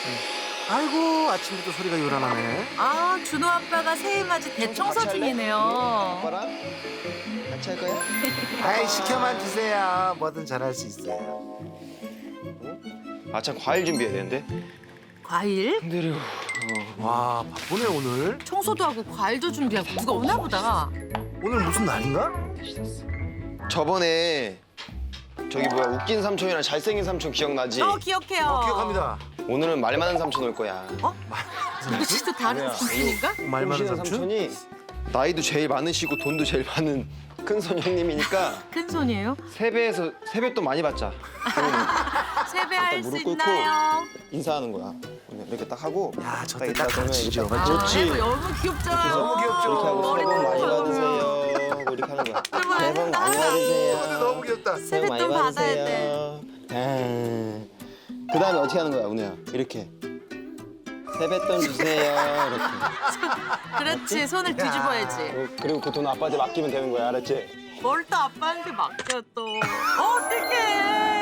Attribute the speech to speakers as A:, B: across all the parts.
A: 아이고 아침부터 소리가 요란하네.
B: 아, 준호 아빠가 새해 맞이 대청소 중이네요.
C: 아빠랑 같이 할 거야?
A: 아이 시켜만 주세요. 뭐든 잘할 수 있어요.
C: 아참 과일 준비해야 되는데.
B: 과일?
C: 힘들어.
A: 와 바쁘네 오늘.
B: 청소도 하고 과일도 준비하고 누가 오나 보다.
A: 오늘 무슨 날인가?
C: 저번에 저기 뭐야 웃긴 삼촌이랑 잘생긴 삼촌 기억나지?
B: 기억해요.
A: 기억합니다.
C: 오늘은 말 많은 삼촌 올 거야.
B: 누구지도 다른 삼촌인가?
A: 말 많은
C: 오시는
A: 삼촌?
C: 삼촌이 나이도 제일 많으시고 돈도 제일 많은 큰손 형님이니까
B: 큰 손이에요?
C: 세배도 많이 받자.
B: 세배할 수
C: 무릎 꿇고
B: 있나요?
C: 인사하는 거야. 이렇게 딱 하고.
A: 야, 저 때
C: 딱
A: 딱
C: 인사하면
A: 가르치죠.
C: 이렇게
A: 맞죠?
C: 그렇지.
B: 아이고, 너무 귀엽잖아요.
A: 너무 귀엽죠?
C: 이렇게 하고 새해 복 많이
B: 머리
C: 받으세요. 하고 이렇게 하는 거야. 새해 복 많이
A: 근데
C: 받으세요.
A: 너무 귀엽다.
C: 새해 복 많이
B: 세뱃돈 받아야
C: 받으세요. 그 다음에 어떻게 하는 거야, 운우야? 이렇게. 세뱃돈 주세요. 이렇게.
B: 그렇지, 손을 뒤집어야지.
C: 그리고 그 돈 아빠한테 맡기면 되는 거야, 알았지?
B: 뭘 또 아빠한테 맡겨 또. 어떡해.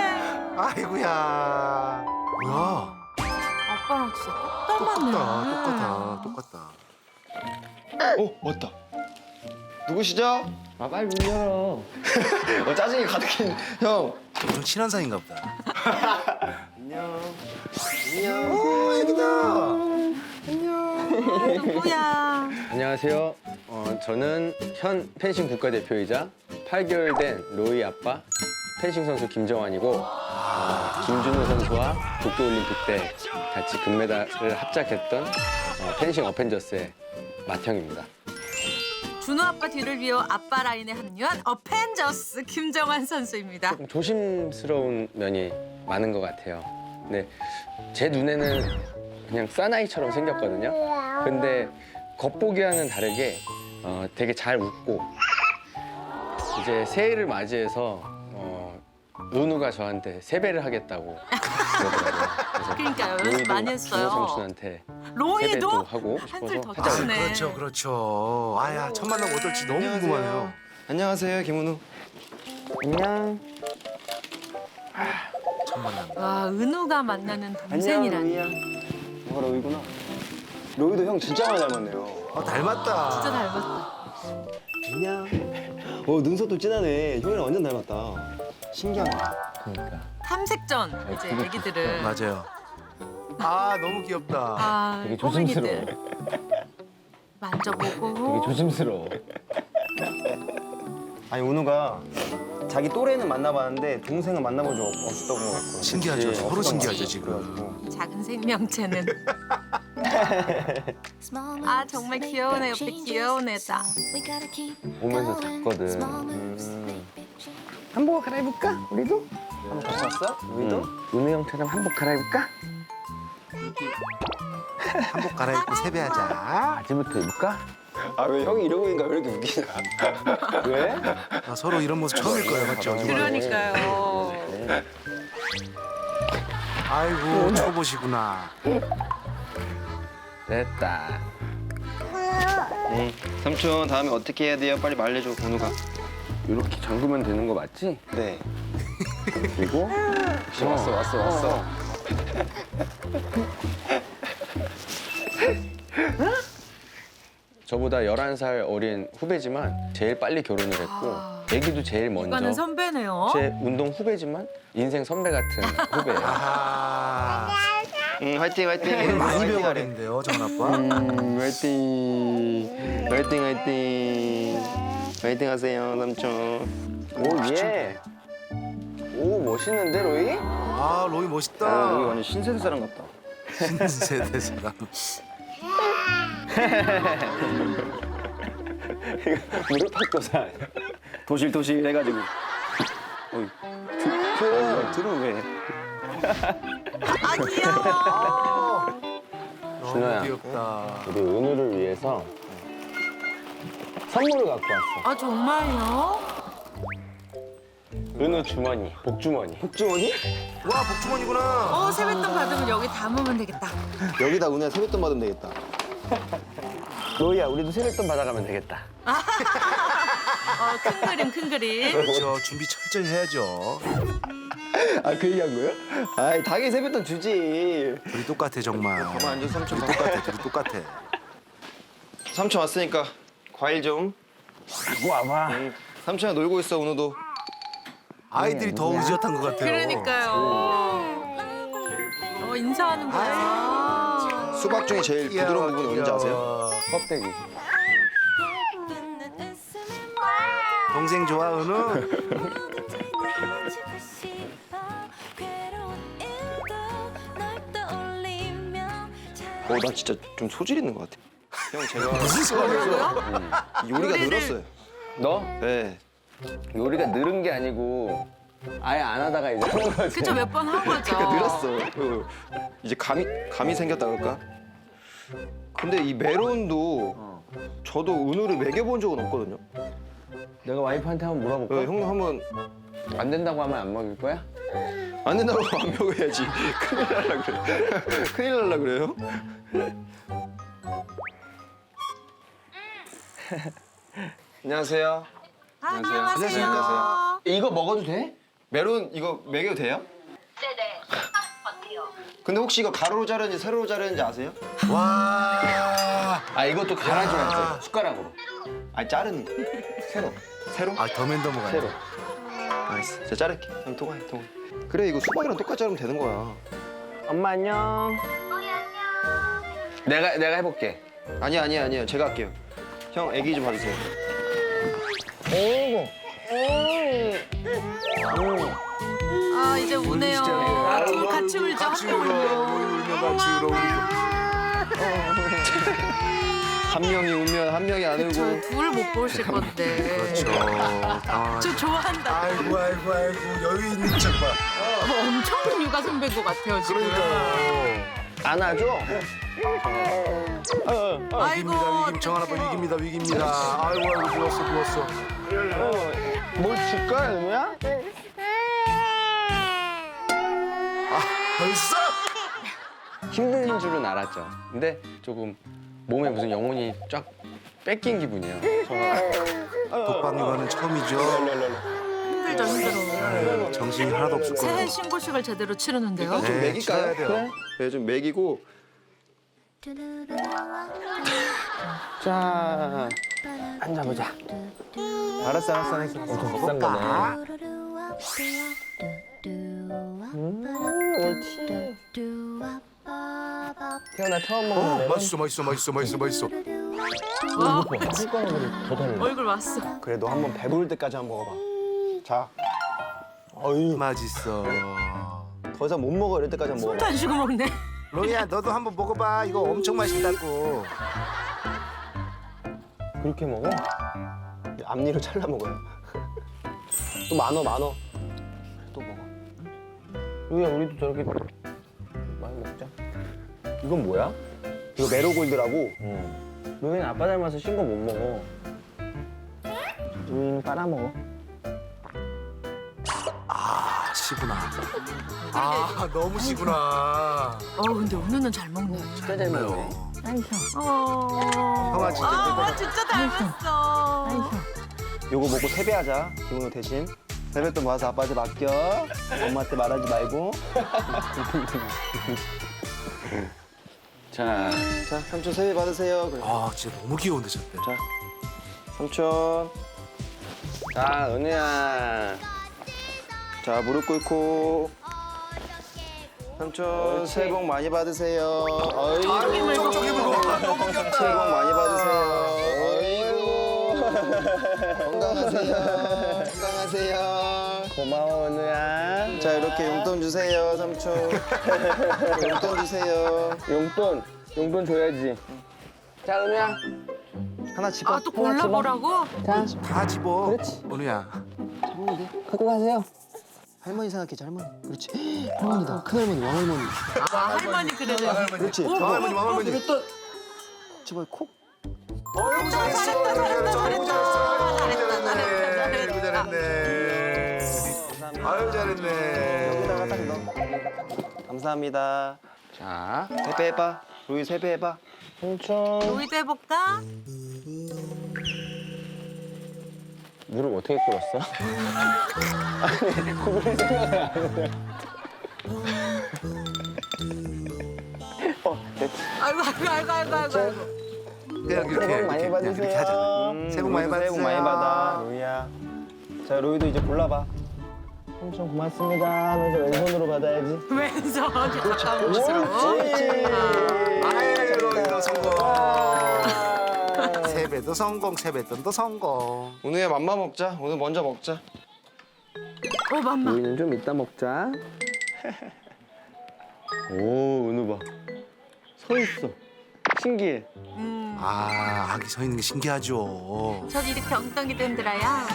A: 아이고야. 뭐야?
B: 아빠랑 진짜 똑
A: 똑같다.
C: 맞다. 누구시죠?
D: 아 빨리 문 열어.
C: 짜증이 가득한 형.
A: 좀 친한 사이인가 보다.
C: 안녕. 안녕.
A: 오 애기다.
B: 누구야?
D: 안녕하세요. 저는 현 펜싱 국가대표이자 8개월 된 로이 아빠 펜싱 선수 김정환이고 김준호 선수와 도쿄올림픽 때 같이 금메달을 합작했던 펜싱 어펜져스의 맏형입니다.
B: 준호 아빠 뒤를 이어 아빠 라인에 합류한 어펜져스 김정환 선수입니다.
D: 조금 조심스러운 면이 많은 것 같아요. 근데 제 눈에는 그냥 사나이처럼 생겼거든요. 근데 겉보기와는 다르게 되게 잘 웃고 이제 새해를 맞이해서 은우가 저한테 세배를 하겠다고 그러더라고요. 그래서
B: 그러니까요, 연습
D: 로이도
B: 많이 했어요.
D: 준호 삼촌한테
B: 로이도
D: 세배도 하고
B: 한술
D: 싶어서
B: 더
D: 하자고.
B: 치네.
A: 그렇죠. 아야 첫 만남 어떨지 너무 궁금하네요.
C: 안녕하세요, 김은우.
D: 안녕.
A: 첫 만남.
B: 와, 은우가 만나는 동생이라니.
C: 뭐가 로이구나. 로이도 형 진짜 많이 닮았네요.
A: 닮았다.
B: 진짜 닮았다.
C: 안녕. 눈썹도 진하네. 형이랑 완전 닮았다. 신기하네.
D: 그러니까.
B: 탐색전 이제 애기들은.
A: 맞아요. 아 너무 귀엽다.
B: 아,
D: 되게
B: 꼬맹이들.
D: 조심스러워.
B: 만져보고.
D: 되게 조심스러워.
C: 아니 은우가 자기 또래는 만나봤는데 동생은 만나본 적 없었던 것 같고.
A: 신기하죠.
C: 그치?
A: 서로
C: 없었던 것
A: 신기하죠,
C: 같고.
A: 지금.
C: 그래가지고.
B: 작은 생명체는. 아, 정말 귀여운 애 옆에 귀여운 애다.
D: 보면서 잤거든. 한복 갈아입을까? 우리도?
C: 한번 같이 왔어? 로이도?
D: 은우 형처럼 한복 갈아입을까?
A: 한복 갈아입고 세배하자.
D: 바지부터 입을까?
C: 아 왜 형이 이러고 있는가 왜 이렇게 웃기냐?
D: 왜?
A: 서로 이런 모습 처음일 거예요, 맞죠?
B: 그러니까요.
A: 아이고 초보시구나.
D: 됐다.
C: 응. 삼촌 다음에 어떻게 해야 돼요? 빨리 말해줘 은우가.
D: 이렇게 잠그면 되는 거 맞지?
C: 네.
D: 그리고
C: 역시 왔어.
D: 저보다 11살 어린 후배지만 제일 빨리 결혼을 했고 애기도 제일
B: 이거는
D: 먼저
B: 선배네요.
D: 제 운동 후배지만 인생 선배 같은 후배예요.
A: 아하.
C: 응 화이팅.
A: 오늘 많이 배워가겠는데요, 정원 아빠.
C: 화이팅. 화이팅 하세요 삼촌.
D: 오 예. 오 멋있는데 로이?
A: 아 로이 멋있다.
C: 로이 완전 신세대 사람 같다.
A: 신세대 사람.
D: 무릎팍도사.
C: 도실 해가지고. 어이. 들어 왜?
B: 아, 귀여워.
D: 준호야.
A: 너무 귀엽다.
D: 우리 은우를 위해서 선물을 갖고 왔어.
B: 아, 정말요?
D: 은우 주머니, 복주머니.
C: 복주머니?
A: 와 복주머니구나.
B: 세뱃돈 받으면 여기 담으면 되겠다.
C: 여기다 은우야 세뱃돈 받으면 되겠다.
D: 로이야, 우리도 세뱃돈 받아가면 되겠다.
B: 큰 그림, 큰 그림.
A: 그렇죠. 준비 철저히 해야죠.
C: 아, 그 얘기한 거예요? 아이, 당연히 세뱃돈 주지.
A: 둘이 똑같아 정말.
C: 가만 앉아, 삼촌.
A: 둘이 똑같아. 둘이 똑같아.
C: 삼촌 왔으니까 과일 좀.
D: 이거 와봐.
C: 삼촌이 놀고 있어, 오늘도.
A: 아이들이 더 의젓한 것 같아요.
B: 그러니까요. 인사하는 거야.
C: 수박 중에 제일 부드러운 부분이 어딘지 아세요?
D: 껍데기.
A: 동생 좋아 은우?
C: 나 진짜 좀 소질 있는 것 같아. 형, 제가
A: 무슨 소리야?
C: 요리가
B: 요리를-
C: 늘었어요.
D: 너
C: 네.
D: 요리가 늘은 게 아니고 아예 안 하다가 이제 하는 거지.
B: 그쵸, 몇 번 한 거죠.
C: 그러니까 늘었어. 이제 감이 생겼다 그럴까? 근데 이 메론도 저도 은우를 먹여본 적은 없거든요.
D: 내가 와이프한테 한번 물어볼까?
C: 형님 한번
D: 안 된다고 하면 안 먹일 거야?
C: 안 된다고 안 먹어야지. 큰일 날라 그래. 큰일 날라 그래요? 안녕하세요.
B: 안녕하세요.
C: 안녕하세요.
D: 이거 먹어도 돼?
C: 메론 이거 먹여도 돼요?
E: 네네. 어때요?
C: 근데 혹시 이거 가로로 자르는지 세로로 자르는지 아세요?
A: 와.
D: 아 이것도 갈아줘야 돼. 숟가락으로.
C: 아니 자르는 거. 세로. 세로?
A: 아 더맨더머가.
D: 새로.
C: 알았어. 제가 자를게. 형 통화해. 그래 이거 수박이랑 똑같이 자르면 되는 거야.
D: 엄마 안녕. 내가 해볼게.
C: 아니야. 제가 할게요. 형 애기 좀 봐주세요.
B: 아, 이제 우네요. 둘 같이 울죠.
A: 같이
B: 함께
A: 울어.
B: 울면.
A: 울면 같이 울어.
C: 한 명이 울면 한 명이 안 울고.
B: 저 둘 못 보실 건데.
A: 그렇죠. 아,
B: 저 좋아한다.
A: 아이고 여유 있는 척 봐.
B: 엄청 육아 선배인 것 같아요, 지금.
A: 그러니까요.
C: 안아줘?
B: 아이고,
A: 위기입니다. 정한 아빠 위기입니다. 아이고 누웠어.
C: 뭘 줄까 은우야?
A: 벌써?
D: 힘든 줄은 알았죠. 근데 조금 몸에 무슨 영혼이 쫙 뺏긴 기분이에요.
A: 독방 육아는 처음이죠.
B: 힘들죠, 힘들어.
A: 정신이 하나도 없을
B: 새해
A: 거예요.
B: 신고식을 제대로 치르는데요.
C: 좀
A: 네,
C: 먹일까요?
A: 치러야 돼요.
C: 네, 좀 먹이고.
D: 자, 앉아보자.
C: 알았어.
D: 엄청 비싼 거네. 옳지. 태어나 처음 먹는 메론.
A: 맛있어.
B: 어,
D: 숟가락으로 더 달라.
B: 얼굴 왔어.
C: 그래 너 한번 배부를 때까지 한번 먹어봐. 자.
A: 맛있어.
C: 더 이상 못 먹어 이럴 때까지 한번
B: 숨도
C: 먹어봐.
B: 안 쉬고 먹네.
A: 로이야 너도 한번 먹어봐. 이거 엄청 맛있다고.
D: 그렇게 먹어?
C: 앞니로 잘라 먹어요. 또 많어. 또 먹어.
D: 우리야 우리도 저렇게 많이 먹자. 이건 뭐야?
C: 이거 메로골드라고.
D: 너희는 아빠 닮아서 신 거 못 먹어. 우리는 빨아먹어.
A: 아 시구나. 아 너무 시구나.
B: 근데 은우는 잘 먹네.
D: 진짜 잘 먹네.
A: 형아 진짜
B: 진짜 닮았어.
C: 요거 먹고 세배하자. 기분으로 대신. 세뱃돈 모아서 아빠한테 맡겨. 엄마한테 말하지 말고.
D: 자,
C: 자, 삼촌 세배 받으세요. 그래.
A: 아 진짜 너무 귀여운데 저때.
C: 자, 삼촌.
D: 자 은우야.
C: 자, 무릎 꿇고. 삼촌,
D: 옳지.
C: 새해 복 많이 받으세요.
B: 저기 물고.
A: 저기 물고. 너무
C: 새해
A: 귀엽다.
C: 복 많이 받으세요. 어이구. 건강하세요.
D: 고마워 은우야.
C: 자, 이렇게 용돈 주세요, 삼촌. 용돈 주세요.
D: 용돈 줘야지. 자 은우야.
C: 하나 집어.
B: 또 골라보라고?
A: 다 집어.
C: 그렇지.
A: 은우야.
D: 갖고 가세요.
C: 할머니 생각해줘, 할머니. 그렇지. 할머니다. 큰할머니, 왕할머니.
B: 할머니 그래요.
C: 그렇지.
A: 왕할머니 왕할머니.
C: 집어, 콕.
A: 어이구 잘했어. 아이고 잘했네. 아유 잘했네.
C: 여기다가 딱 넣어. 감사합니다.
D: 자,
C: 세배해봐. 로이 세배해봐.
D: 삼촌.
B: 우리도 해볼까?
D: 무릎 어떻게 꿇었어? 아니, 그걸 생각을 안 해. 됐지.
B: 아이고.
A: 그냥 이렇게
D: 새해 복 많이
A: 그냥 이렇게 하자. 새해 복 많이
D: 로이도 새해 복 많이
A: 받으세요.
D: 받아, 로이야. 자, 로이도 이제 골라봐. 삼촌 고맙습니다 하면서 왼손으로 받아야지.
B: 왼손 가까운 곳으로.
A: 아유, 로이도 성공. 세배도 성공, 세뱃돈도 성공.
C: 은우야 맘마 먹자. 오늘 먼저 먹자.
B: 오 맘마.
D: 로이는 좀 이따 먹자. 오, 은우 봐. 서 있어. 신기해.
A: 아, 아기 서 있는 게 신기하죠.
B: 저도 이렇게 엉덩이 든들어야.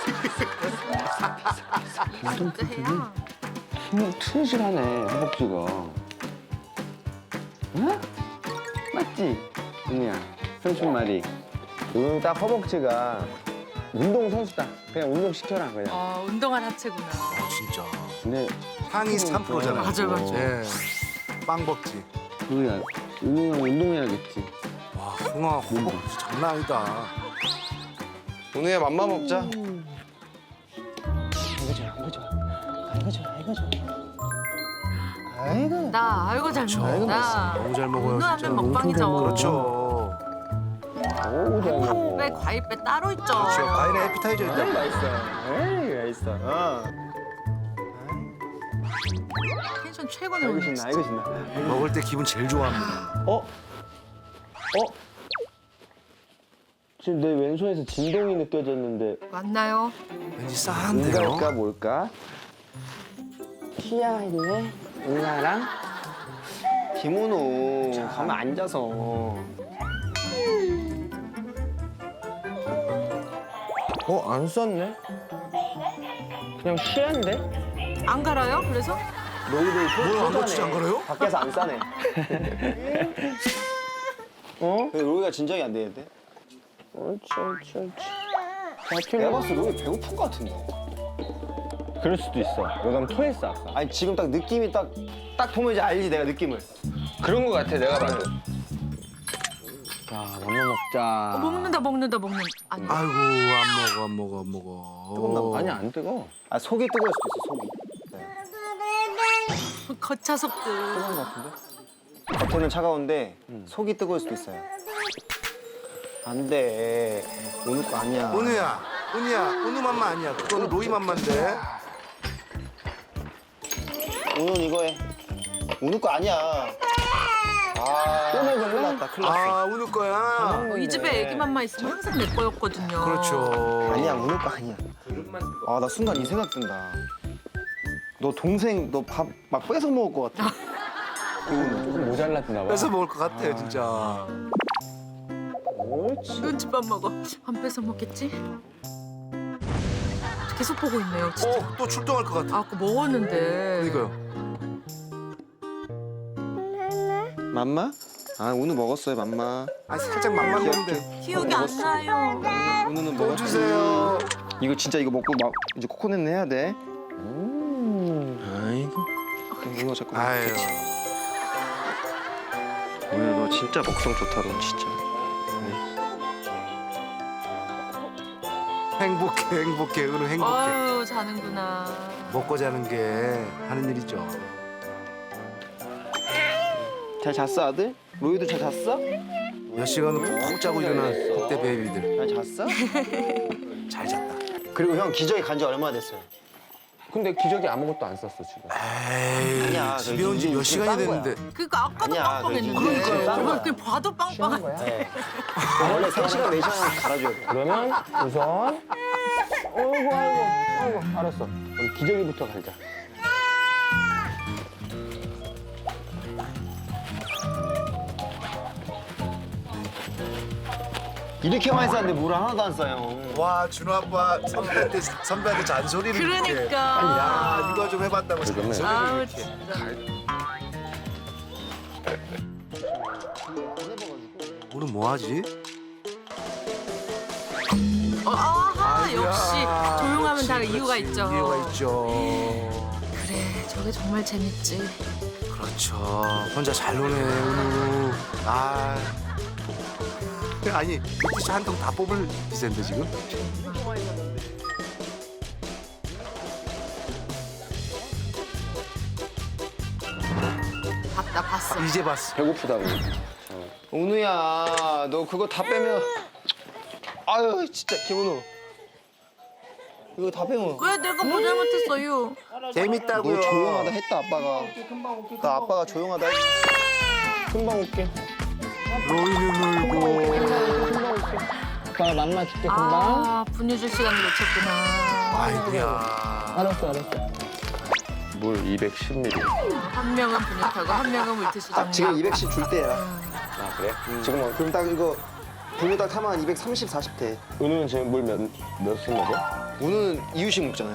B: 이것도 해요.
D: 힘이 튼실하네, 허벅지가. 응? 맞지? 은우야, 삼촌 말이. 은우 딱 허벅지가 운동선수다. 그냥 운동시켜라, 그냥.
B: 운동할 하체구나.
A: 진짜.
D: 근데
A: 상위 3%잖아요.
B: 맞아.
A: 예. 빵 먹지.
D: 은우야, 은우랑 운동해야겠지.
A: 와, 흥아 허벅지 장난 아니다.
C: 은우야 맘마 먹자.
D: 아이고.
B: 나 아이고 잘 먹는다.
A: 너무 잘 먹어요,
B: 운동하면
A: 진짜.
B: 먹방이죠.
A: 그렇죠.
D: 어우, 잘 먹어.
B: 왜 과일배 따로 있죠.
A: 그렇죠. 과일에 에피타이저
D: 에이,
A: 있다.
D: 맛있어. 에이, 맛있어.
B: 텐션 최고네
D: 아이고,
B: 오늘.
D: 신나, 아이고, 신나.
A: 먹을 때 기분 제일 좋아합니다.
D: 지금 내 왼손에서 진동이 느껴졌는데
B: 맞나요?
A: 왠지 싸한데요.
D: 뭔가일까 뭘까? 티아 있네? 은하랑? 김은우 가만 앉아서 안 썼네? 그냥 티아인데?
B: 안 갈아요? 그래서?
D: 너희들
A: 뭐야, 안 고치지 안 걸어요?
D: 밖에서 안 싸네. 어? 로이가 진정이 안 되는데? 옳지. 내가 봤을 때 로이 배고픈 것 같은데? 그럴 수도 있어. 너가 토했어, 아까. 아니, 지금 딱 느낌이 딱 보면 이제 알지, 내가 느낌을.
C: 그런 거 같아 내가 봐도.
D: 자, 맘마 먹자.
B: 먹는다. 아니.
A: 아이고, 안 먹어.
D: 뜨겁나? 아니, 안 뜨거. 아, 속이 뜨거울 수도 있어, 속이.
B: 거차속들.
D: 뜨거운 것 같은데? 겉에는 차가운데 속이 뜨거울 수도 있어요. 안 돼. 오늘 거 아니야.
A: 은우야, 은우 맘마 아니야. 그거는 로이 맘마인데.
D: 오늘 이거 해. 오늘 거 아니야. 또 먹을래? 큰일 났다, 큰일 났어.
A: 아, 은우 거야.
B: 이 집에 애기 맘마 있으면 항상 내 거였거든요.
A: 그렇죠.
D: 아니야, 오늘 거 아니야. 아, 나 순간 이 생각 든다. 너 동생, 너 밥 막 뺏어 먹을 것 같아. 조금 모자랐나 봐.
A: 뺏어 먹을 것 같아요, 진짜.
D: 옳지.
B: 눈치밥 먹어. 안 뺏어 먹겠지? 계속 보고 있네요, 진짜.
A: 또 출동할 것 같아.
B: 아까 먹었는데.
A: 그러니까요.
C: 맘마? 아 은우 먹었어요 맘마.
A: 아, 살짝 맘만 먹는데.
B: 기억이 안 나요.
C: 은우는
A: 또
C: 먹었어.
A: 주세요.
C: 이거 진짜 이거 먹고 막 이제 코코넛 해야 돼. 아이고. 은우가 자꾸
A: 아유.
C: 은우야 너 진짜 먹성 좋다 너 진짜.
A: 행복해. 은우 행복해.
B: 아유, 자는구나.
A: 먹고 자는 게 하는 일이죠.
D: 잘 잤어, 아들? 로이도 잘 잤어?
A: 몇 시간을 푹 자고 일어난 그때 베이비들.
D: 잘 잤어?
A: 잘 잤다.
D: 그리고 형 기저귀 간 지 얼마나 됐어요?
F: 근데 기저귀 아무것도 안 썼어 지금.
A: 에이,
D: 아니야,
A: 집에 온 지
D: 지금
A: 몇 시간이
D: 딴 거야.
A: 됐는데.
B: 그러니까 아까도
D: 아니야,
B: 빵빵했는데.
D: 그러니까요.
B: 저걸 그냥 봐도 빵빵한.
D: 네. 원래 3시간, 4시간 갈아줘야 돼.
F: 그러면 우선 아이고 알았어. 그럼 기저귀부터 갈자.
D: 이렇게 많이 쌌는데 물 하나도 안 싸요.
A: 와, 준호 아빠 선배한테 잔소리를 이렇게.
B: 그러니까.
A: 야, 이거 좀 해봤다고 잔소리를
B: 아우,
A: 이렇게.
B: 진짜.
A: 오늘 뭐 하지?
B: 아하, 역시
A: 야,
B: 조용하면 다
A: 그렇지,
B: 이유가
A: 그렇지.
B: 있죠.
A: 이유가 있죠.
B: 그래, 저게 정말 재밌지.
A: 그렇죠. 혼자 잘 노네, 은우. 아, 아니 물티슈 한 통 다 뽑을 기세인데 지금?
B: 봤다 봤어.
A: 이제 봤어.
F: 배고프다고.
C: 은우야, 너 그거 다 빼면 아유 진짜 김은우. 이거 다 빼면
B: 왜 내가 뭐 잘못했어요?
A: 재밌다고요.
C: 너 조용하다 했다 아빠가. 나 아빠가 조용하다 했.
F: 금방 올게.
A: 로이는 울고.
F: 금방 올게. 오빠 맘마 줄게 금방.
B: 아 분유줄 시간을 놓쳤구나.
A: 아이고야.
F: 알았어. 물 210ml.
B: 한 명은 분유 타고 한 명은 물티슈
C: 딱 지금
B: 정리.
C: 210씩 줄 때야.
F: 아 그래?
C: 지금 그럼 딱 이거 분유 딱 타면 한 230, 40 돼.
F: 은우는 지금 물 몇씩 먹어?
C: 은우는 이유식 먹잖아요.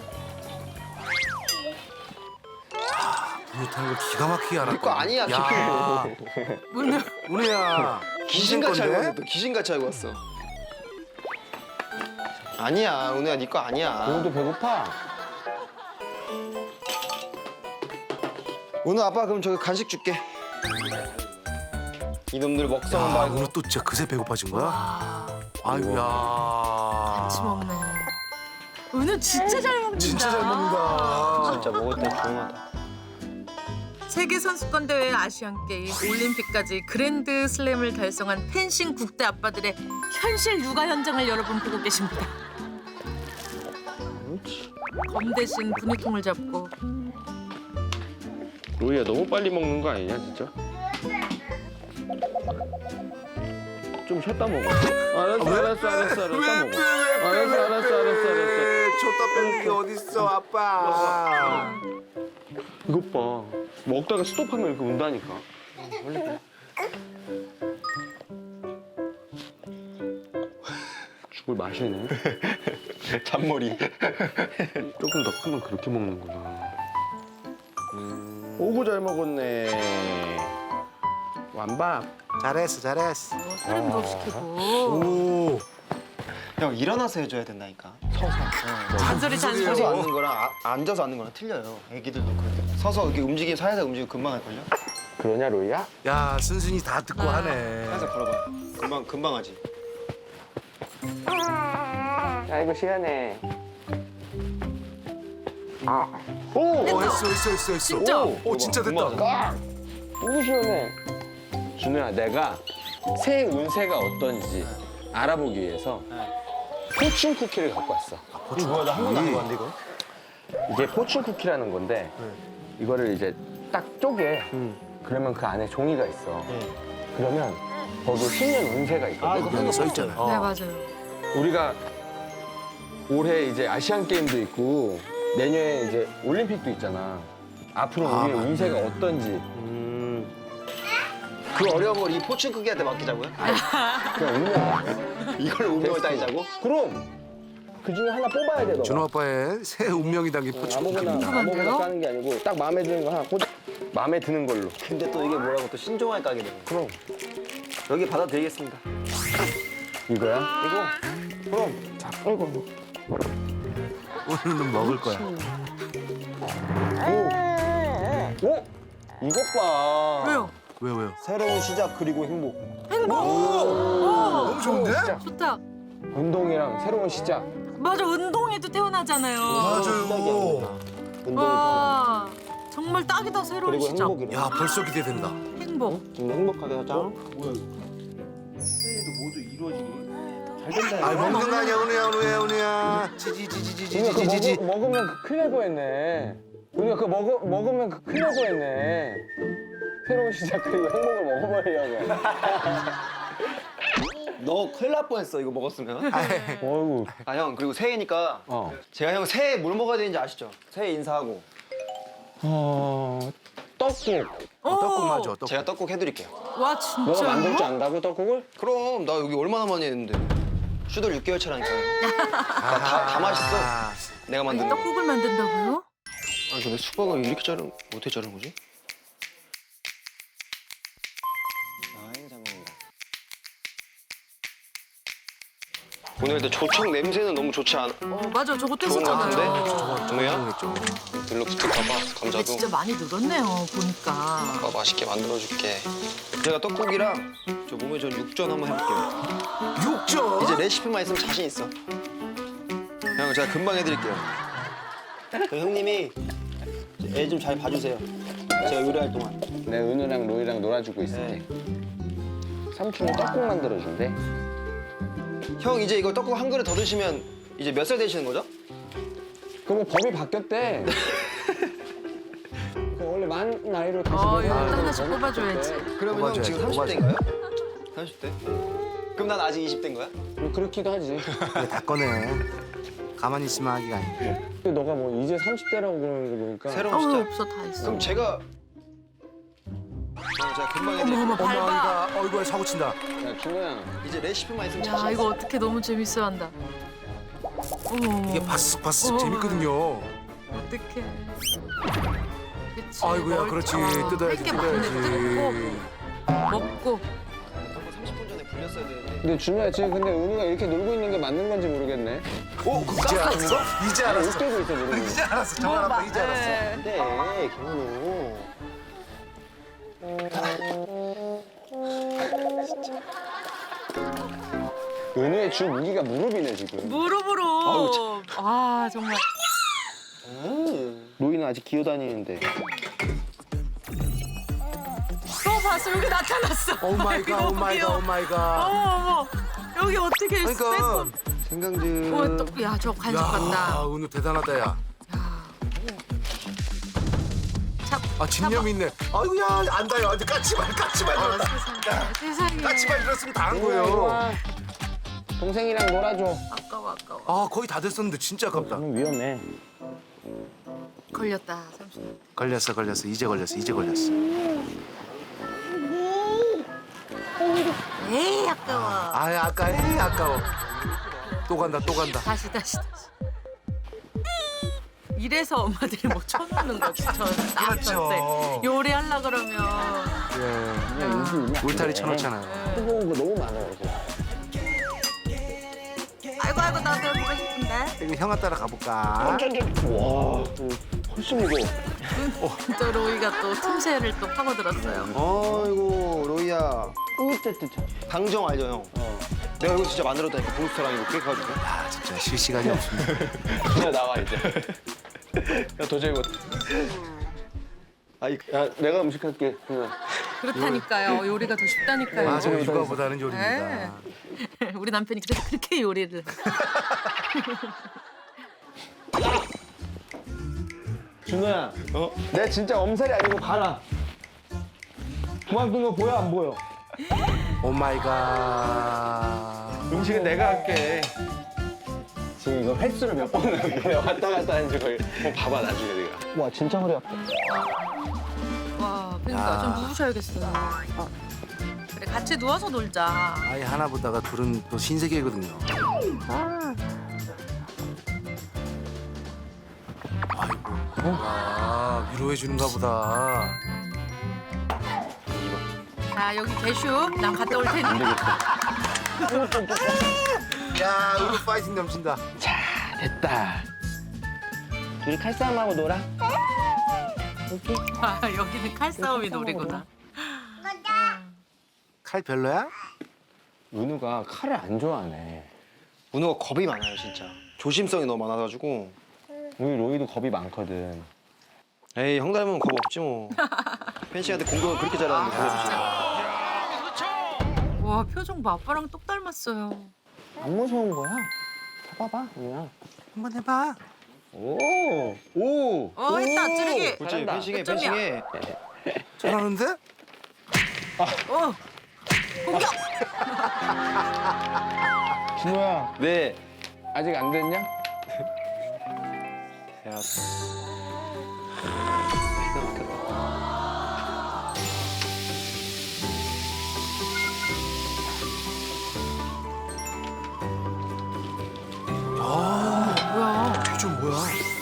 A: 분유 타는 거 기가 막히게 알아.
C: 거 아니야,
A: 야.
B: 문을
A: 은우야.
C: 귀신같이 알고
A: 건데?
C: 왔어. 또 귀신같이 알고 왔어. 아니야, 은우야, 네 거 아니야.
F: 은우도 배고파.
C: 은우 아빠 그럼 저기 간식 줄게. 이놈들 먹성은
A: 야,
C: 말고.
A: 은우 또 진짜 그새 배고파진 거야? 아이고야.
B: 같이 먹네. 은우 진짜 잘 먹는다.
A: 진짜 잘 먹는다.
C: 진짜 먹을 때 조용하다.
B: 세계 선수권 대회, 아시안 게임, 올림픽까지 그랜드 슬램을 달성한 펜싱 국대 아빠들의 현실 육아 현장을 여러분 보고 계십니다. 검 대신 분유통을 잡고
F: 로이야 너무 빨리 먹는 거 아니냐 진짜? 좀 쉬었다 먹어. 알았어. 쉬었다 먹어. 알았어.
A: 줬다 빼는 게 어딨어, 아빠.
F: 이것 봐. 먹다가 스톱하면 이렇게 운다니까. 죽을 마시네.
C: 잔머리.
F: 조금 더 크면 그렇게 먹는구나. 오구 잘 먹었네. 완밥.
A: 잘했어.
B: 사람도 시키고
A: 오.
C: 형 일어나서 해줘야 된다니까.
B: 잔소리
C: 서서
B: 잔소리.
C: 앉는 거랑 앉아서 앉는 거랑 틀려요. 애기들도 그렇게. 서서 이렇게 움직이면 살살 움직이면 금방 할걸요?
F: 그러냐 로이야?
A: 야, 순순히 다 듣고 하네.
C: 살살 걸어봐. 금방 하지.
F: 아이고 시원해.
A: 오, 했어.
B: 진짜?
A: 오, 진짜 됐다.
F: 오구 시원해. 준우야 내가 새 운세가 어떤지 알아보기 위해서 포춘 쿠키를 갖고 왔어.
C: 이거 뭐야? 나 한 번도 안 해봤는데 이거?
F: 이게 포춘 쿠키라는 건데 이거를 이제 딱 쪼개. 그러면 그 안에 종이가 있어. 그러면 거기 신년 운세가 있거든.
A: 여기 써 있잖아.
B: 네 맞아요.
F: 우리가 올해 이제 아시안 게임도 있고 내년에 이제 올림픽도 있잖아. 앞으로 우리의
A: 맞네.
F: 운세가 어떤지
C: 그 어려운 걸 이 포춘 크기한테 맡기자고요?
F: 그냥 운명.
C: 이걸 운명을 따지자고?
F: 그럼 그 중에 하나 뽑아야 돼. 너가.
A: 준호 아빠의 새 운명이 담긴 포춘입니다.
F: 아무거나 까는 게 아니고 딱 마음에 드는 거 하나 꽂. 마음에 드는 걸로.
C: 근데 또 이게 뭐라고 또 신종할 까게 되네.
F: 그럼
C: 여기 받아드리겠습니다.
F: 이거야?
C: 이거?
F: 그럼. 자, 아이고.
A: 오늘은 먹을 거야.
F: 오, 이것 봐.
B: 왜요?
A: 왜요?
C: 새로운 시작 그리고 행복.
B: 행복.
A: 너무 좋은데?
F: 진짜.
B: 좋다.
F: 운동이랑 새로운 시작.
B: 맞아 운동에도 태어나잖아요.
A: 맞아요.
B: 와 정말 딱이다 새로운
C: 그리고
B: 시작.
C: 행복이래.
A: 야, 벌써 기대된다.
B: 행복.
C: 좀 행복하게 하자.
A: 아, 먹는 거 아니야, 은우야. 지지지지지지지지.
F: 그거 먹으면 그 큰일 날 뻔했네. 우리가 그거 먹으면 그 큰일 날 뻔했네. 새로운 시작 그리고 행복을 먹어버리려고.
C: 너 큰일 날 뻔했어 이거 먹었으면.
F: 어이구.
C: 아 형 그리고 새해니까 제가 형 새해 뭘 먹어야 되는지 아시죠? 새해 인사하고
F: 떡국.
A: 떡국 맞아, 떡국.
C: 제가 떡국 해드릴게요.
B: 와
F: 너가
B: 진짜.
F: 만들 줄 안다고 떡국을?
C: 그럼 나 여기 얼마나 많이 했는데. 슈돌 6개월 차라니까요. 다 맛있어. 내가 만든 거.
B: 떡국을 만든다고요?
C: 아니 근데 수박을 이렇게 어떻게 자르는 거지? 오늘 근데 조청 냄새는 너무 좋지 않아?
B: 맞아 저거
C: 좋은 거 같은데?
B: 뗐었잖아요.
C: 정우야? 들러 붙을까 봐
B: 근데
C: 감자도
B: 진짜 많이 늘었네요 보니까.
C: 아빠 맛있게 만들어줄게. 제가 떡국이랑 저 몸에 전 육전 한번 해볼게요.
A: 육전?
C: 이제 레시피만 있으면 자신 있어. 형 제가 금방 해드릴게요.
D: 그 형님이 애 좀 잘 봐주세요. 제가 요리할 동안.
F: 내 은우랑 로이랑 놀아주고 있을게. 삼촌이 떡국 만들어준대.
C: 형 이제 이거 떡국 한 그릇 더 드시면 이제 몇 살 되시는 거죠?
F: 그럼 법이 바뀌었대. 그 원래 만 나이로 다시
B: 이거
F: 내려가는
B: 또 하나씩
F: 법이
B: 뽑아줘야지.
F: 바뀌었대.
C: 그러면 형
A: 뽑아줘야지,
C: 지금 30대인가요? 30대? 그럼 난 아직 20대인 거야?
F: 뭐 그렇기도 하지.
A: 그래, 다 꺼내. 가만히 있으면 하기가 아니야.
F: 근데 너가 뭐 이제 30대라고 그러는 거 보니까
C: 새로운 숫자.
B: 없어 다 있어.
C: 그럼 제가 제가 금방 해드릴게요.
B: 어머 밟아.
A: 어머니가 어이구 사고 친다.
F: 야 준호야
C: 이제 레시피만 있으면
B: 야
C: 자신
B: 이거
C: 있어.
B: 어떻게 너무 재밌어한다. 어머
A: 이게 바스바스
B: 어.
A: 재밌거든요.
B: 어떡해. 그치.
A: 아이고야,
B: 먹을-
A: 그렇지.
B: 어,
A: 뜯어야지,
B: 할게 많은데
A: 뜯어야지.
B: 뜯고 먹고.
C: 30분 전에 불렸어야 되는데.
F: 근데 준호야 지금 근데 은우가 이렇게 놀고 있는 게 맞는 건지 모르겠네.
A: 이제 알았어? 이제 알았어.
F: 웃기고 있어 놀고 있어.
A: 이제 알았어. 정말 아빠 이제 알았어.
D: 네, 경훈우.
F: 은우의 주 무기가 무릎이네 지금.
B: 무릎으로. 아 정말.
F: 로이는 아직 기어다니는데.
B: 봤어 여기 나타났어.
A: 오 마이 갓, 오 마이 갓, 오 마이 갓.
B: 어머 여기 어떻게 있어?
A: 그러니까
C: 생강즙.
B: 야저 간식 같다.
A: 은우 대단하다 야. 아 집념 있네. 아이고야 안다요. 아주 까치발 이러다.
B: 세상에.
A: 까치발 이랬으면 다 한 거예요.
F: 동생이랑 놀아줘.
B: 아까워.
A: 아 거의 다 됐었는데 진짜 아깝다.
F: 너무 위험해.
B: 걸렸다 30.
A: 걸렸어. 이제 걸렸어.
B: 에이 아까워.
A: 아 아까워. 또 간다.
B: 다시. 이래서 엄마들이 뭐 쳐놓는 거지.
A: 그렇죠.
B: 요리하려 그러면.
A: 울타리 쳐놓잖아요.
F: 뜨거운 거 너무 많아요. 여기.
B: 아이고 나도 해보고 싶은데.
A: 이거 형아 따라 가볼까?
F: 와, 훨씬 무거워.
B: 또 로이가 또 틈새를 또 파고들었어요.
C: 아이고 로이야.
F: 으뜨뜨뜨.
C: 강정 알죠 형? 내가 이거 진짜 만들었다니까 부스터랑 이거 깨 가지고.
A: 아 진짜 쉴 시간이 없습니다.
F: 그냥 나와 이제. 야 도저히 못.
C: 아이
F: 야 내가 음식할게. 그냥.
B: 그렇다니까요. 요리가 더 쉽다니까요.
A: 맞아 육아보다는 요리입니다.
B: 네. 우리 남편이 그래서 그렇게 요리를. 해.
F: 준호야. 내가 진짜 엄살이 아니고 가라. 그만둔 거 보여 안 보여?
A: 오 마이 갓.
F: 음식은 내가 할게. 지금 이거 횟수를 몇 번을 할게. 왔다 갔다 하는지 거의. 봐봐 나중에 내가. 와 진짜 허리 아파.
B: 와, 그러니까 좀 누우셔야겠어요. 그래, 같이 누워서 놀자.
A: 아이 하나 보다가 둘은 또 신세계거든요. 아이고. 와 위로해 주는가 보다.
B: 자, 여기 개슈. 난 갔다 올 테니.
A: 야 이거 파이팅 넘친다.
F: 됐다. 둘이 칼싸움하고 놀아.
B: 아, 여기는 칼싸움이 놀이구나.
A: 칼 별로야?
F: 은우가 칼을 안 좋아하네.
C: 은우가 겁이 많아요 진짜. 조심성이 너무 많아가지고.
F: 우리 로이도 겁이 많거든.
C: 에이 형 닮으면 겁 없지 뭐. 펜싱한테 공격을 그렇게 잘하는데 겁 없지.
B: 와, 표정 봐. 아빠랑 똑 닮았어요.
F: 안 무서운 거야. 봐봐, 은우야.
A: 한번 해봐.
F: 오, 오.
B: 했다, 찌르기.
C: 그렇지
F: 잘한다.
C: 펜싱해
B: 몇 점이야?
C: 펜싱해.
A: 잘하는데?
B: 공격!
F: 준호야,
C: 네.
F: 아직 안 됐냐?
C: 야. 기가 막혔다.
B: 뭐야.
A: 표정 뭐야?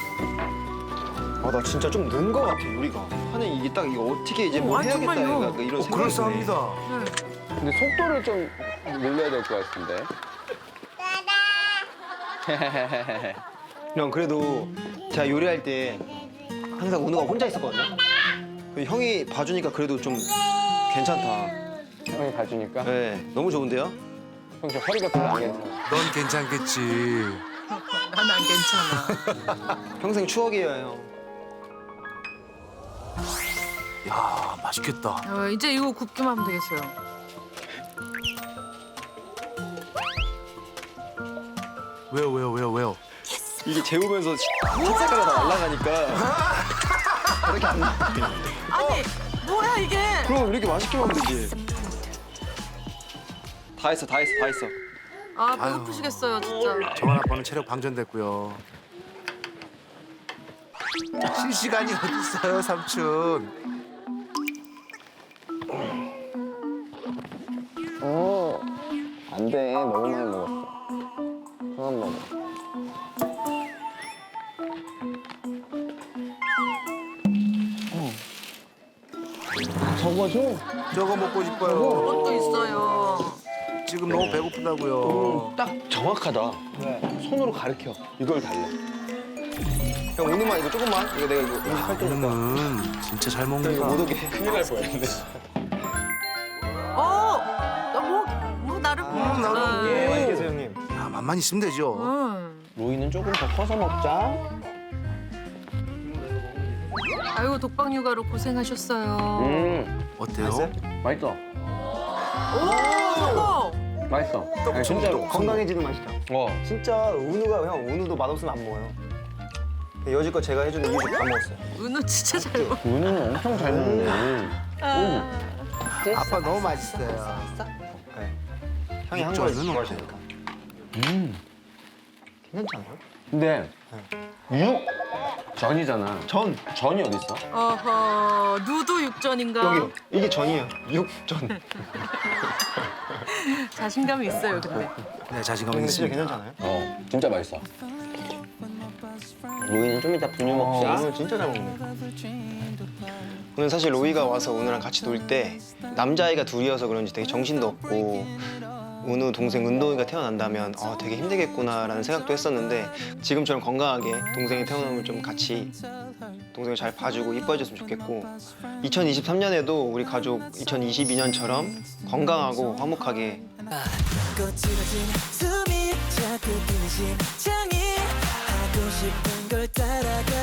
C: 아 나 진짜 좀 는 거 같아 요리가. 하는 이게 딱 이거 어떻게 이제 뭘
B: 아니,
C: 해야겠다
B: 정말요.
C: 약간 이런 생각이
A: 그럴싸합니다.
F: 근데 속도를 좀 늘려야 될 것 같은데.
C: 드네. 형 그래도 제가 요리할 때 항상 은우가 혼자 있었거든요. 형이 봐주니까 그래도 좀 괜찮다.
F: 형이 봐주니까.
D: 네, 너무 좋은데요?
F: 형 저 허리가 별로 안 괜찮아.
A: 넌 괜찮겠지.
B: 난 안 괜찮아.
D: 평생 추억이에요, 형.
A: 야 맛있겠다.
B: 이제 이거 굽기만 하면 되겠어요.
A: 왜요?
D: 이게 재우면서 흰색깔이 다 날아가니까 이렇게 안 나.
B: 아니 뭐야 이게?
D: 그럼 이렇게 맛있게 먹으면 되지. 다 했어.
B: 아 배고프시겠어요 진짜.
A: 정한 아빠는 체력 방전됐고요. 쉴 시간이 어딨어요 삼촌.
F: 안 돼. 너무 많이 먹었어. 그만 먹어. 적어줘.
A: 저거 먹고 싶어요.
B: 그것도 있어요.
A: 지금 너무 배고프다고요.
F: 딱 정확하다. 손으로 가르쳐. 이걸 달래.
D: 형 오늘만 이거 조금만. 이거 내가 이거 음식할 때
A: 진짜 잘
D: 이거 못
A: 먹는다.
D: 오게. 큰일 날 뻔했는데.
B: 뭐 나를 보는
A: 나도.
D: 예, 맛있게 계세요, 형님.
A: 야 맛만 있으면 되죠.
F: 로이는 조금 더 커서 먹자.
B: 아이고 독박 육아로 고생하셨어요.
A: 어때요?
F: 맛있어.
B: 오 성공.
F: 맛있어. 아니, 진짜로.
D: 건강해지는 맛이다. 진짜 은우가 형 은우도 맛없으면 안 먹어요. 여지껏 제가 해주는 이유식 다 먹었어요.
B: 은우 진짜 잘 먹.
F: 은우는 엄청 잘 먹네.
A: 아빠 너무 맛있어요.
D: 네. 형이 한
A: 진짜
D: 거
A: 은우
D: 좋아하시니까. 괜찮지 않아요?
F: 근데 육전이잖아. 전이 어디 있어?
B: 어허 누도 육전인가?
D: 여기요. 이게 전이에요. 육전.
B: 자신감이 있어요 근데.
A: 네 자신감이
D: 근데 진짜
A: 있습니다.
D: 괜찮잖아요.
F: 진짜 맛있어. 로이는 좀 이따 분유 먹자.
D: 오늘 진짜 잘 먹네. 오늘 사실 로이가 와서 은우랑 같이 놀 때 남자아이가 둘이어서 그런지 되게 정신도 없고 은우 동생 은동이가 태어난다면 되게 힘들겠구나라는 생각도 했었는데 지금처럼 건강하게 동생이 태어나면 좀 같이 동생을 잘 봐주고 이뻐해줬으면 좋겠고 2023년에도 우리 가족 2022년처럼 건강하고 화목하게
G: 숨이 자꾸 뛰는 심장이 하고 싶은 걸 따라가